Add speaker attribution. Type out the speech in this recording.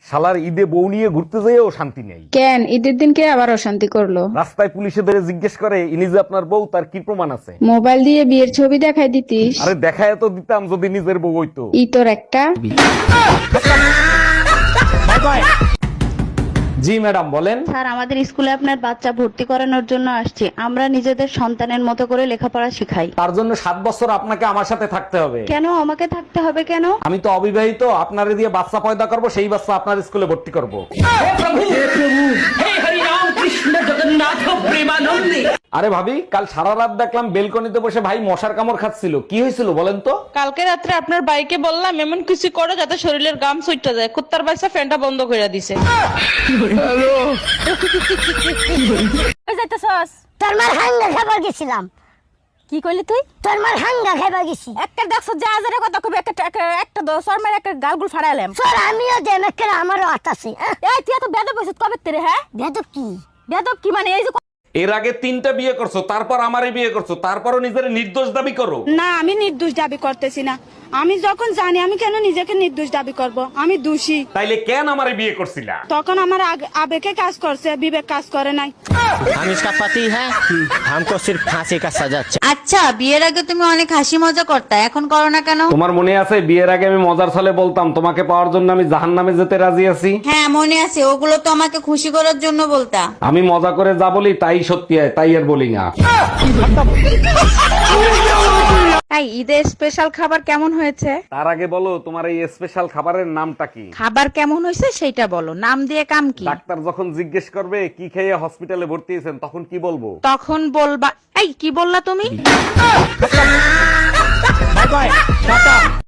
Speaker 1: শালার ঈদে বউ নিয়ে ঘুরতে যেয়েও শান্তি নেই।
Speaker 2: কেন ঈদের দিনকে আবার অশান্তি করলো?
Speaker 1: রাস্তায় পুলিশে ধরে জিজ্ঞেস করে ইনি যে আপনার বউ, তার কি প্রমাণ আছে?
Speaker 2: মোবাইল দিয়ে বিয়ের ছবি দেখাই দিতিস।
Speaker 1: আরে দেখায় তো দিতাম যদি নিজের বউ হইতো।
Speaker 2: ই তোর একটা।
Speaker 1: জি ম্যাডাম বলেন।
Speaker 3: স্যার, আমাদের স্কুলে আপনার বাচ্চা ভর্তি করানোর জন্য আসছি। আমরা নিজেদের সন্তানের মতো করে লেখাপড়া শিখাই।
Speaker 1: তার জন্য 7 বছর আপনাকে আমার সাথে থাকতে হবে।
Speaker 3: কেন আমাকে থাকতে হবে কেন?
Speaker 1: আমি তো অবিবাহিত, আপনারে দিয়ে বাচ্চা পয়দা করব, সেই বাচ্চা আপনার স্কুলে ভর্তি করব। আরে ভাবি, কাল সারা রাত দেখলাম বেলকনিতে বসে ভাই মশার কামড় খাচ্ছিল, কি হয়েছিল বলেন তো?
Speaker 4: কালকে রাত্রে আপনার বাইকে বললাম এমন কিছু করো যাতে শরীরের গাম সুইটা যায়। কুত্তার বাচ্চা ফ্যানটা বন্ধ করে দিছে।
Speaker 5: তোর মার হাঙ্গা খাবার গেছিলাম।
Speaker 6: কি কইলি তুই?
Speaker 5: তোর মার হাঙ্গা খাবার গেছি।
Speaker 6: একটা দেখছ যে আজারে কথা কবি একটা দশর মেরে একটা গালগুল ফাড়াইলাম।
Speaker 5: তোর আমিও দেমেকে আমারও আতাছে।
Speaker 6: এই তুই এত বেদব হইছিস কবে তেরে? হ্যাঁ
Speaker 5: বেদব কি?
Speaker 6: বেদব কি মানে এই যে
Speaker 1: এর আগে 3টা বিয়ে করছো, তারপর আমারে বিয়ে করছো, তারপরও নিজের নির্দোষ দাবি করো।
Speaker 7: না, আমি নির্দোষ দাবি করতেছি না। আমি যখন জানি, আমি কেন নিজেকে নির্দোষ দাবি করব? আমি দোষী।
Speaker 1: তাইলে কেন আমারে বিয়ে করছিলা?
Speaker 7: তখন আমার আবেগে কাজ করছে, বিবেক কাজ করে নাই।
Speaker 8: हम इसका पति है, हमको सिर्फ फांसी का सजा चाहिए।
Speaker 9: আচ্ছা, বিয়ের আগে তুমি অনেক হাসি মজা করতা, এখন করো না কেন?
Speaker 1: তোমার মনে আছে বিয়ের আগে আমি মজার ছলে বলতাম তোমাকে পাওয়ার জন্য আমি জাহান্নামে যেতে রাজি আছি?
Speaker 9: হ্যাঁ মনে আছে, ওগুলো তো আমাকে খুশি করার জন্য বলতা।
Speaker 1: আমি মজা করে যা বলি তাই সত্যি হয়, তাই আর বলি না।
Speaker 2: তাই ঈদের স্পেশাল খাবার কেমন হয়েছে?
Speaker 1: তার আগে বলো তোমার এই স্পেশাল খাবারের নামটা কি?
Speaker 2: খাবার কেমন হয়েছে সেটা বলো, নাম দিয়ে কাম কি?
Speaker 1: ডাক্তার যখন জিজ্ঞেস করবে কি খেয়ে হসপিটালে ভর্তি হয়েছেন তখন কি বলবো?
Speaker 2: তখন বলবা এই কি বললা তুমি?